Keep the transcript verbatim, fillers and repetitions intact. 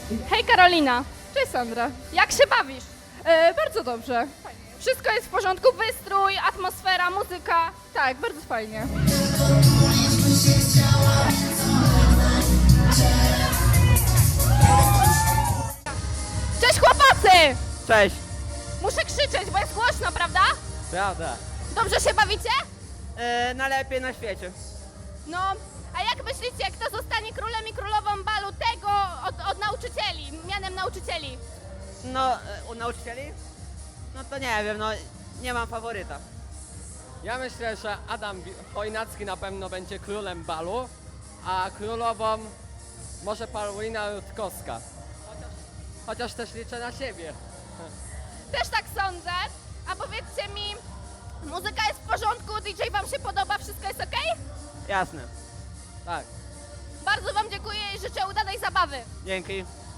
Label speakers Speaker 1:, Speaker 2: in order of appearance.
Speaker 1: Hej Karolina. Cześć Sandra. Jak się bawisz? E, bardzo dobrze. Wszystko jest w porządku, wystrój, atmosfera, muzyka. Tak, bardzo fajnie. Cześć chłopacy!
Speaker 2: Cześć!
Speaker 1: Muszę krzyczeć, bo jest głośno, prawda?
Speaker 2: Prawda.
Speaker 1: Dobrze się bawicie?
Speaker 2: E, najlepiej na świecie.
Speaker 1: No, a jak myślicie, kto zostanie królem i królową balu tego od, od nauczycieli, mianem nauczycieli?
Speaker 2: No, e, u nauczycieli? No to nie wiem, no nie mam faworyta.
Speaker 3: Ja myślę, że Adam Wi- Chojnacki na pewno będzie królem balu, a królową może Paulina Rutkowska. Chociaż, chociaż też liczę na siebie.
Speaker 1: Też tak sądzę. A powiedzcie mi, muzyka jest w porządku, D J wam się podoba, wszystko jest ok?
Speaker 2: Jasne.
Speaker 3: Tak.
Speaker 1: Bardzo wam dziękuję i życzę udanej zabawy.
Speaker 2: Dzięki.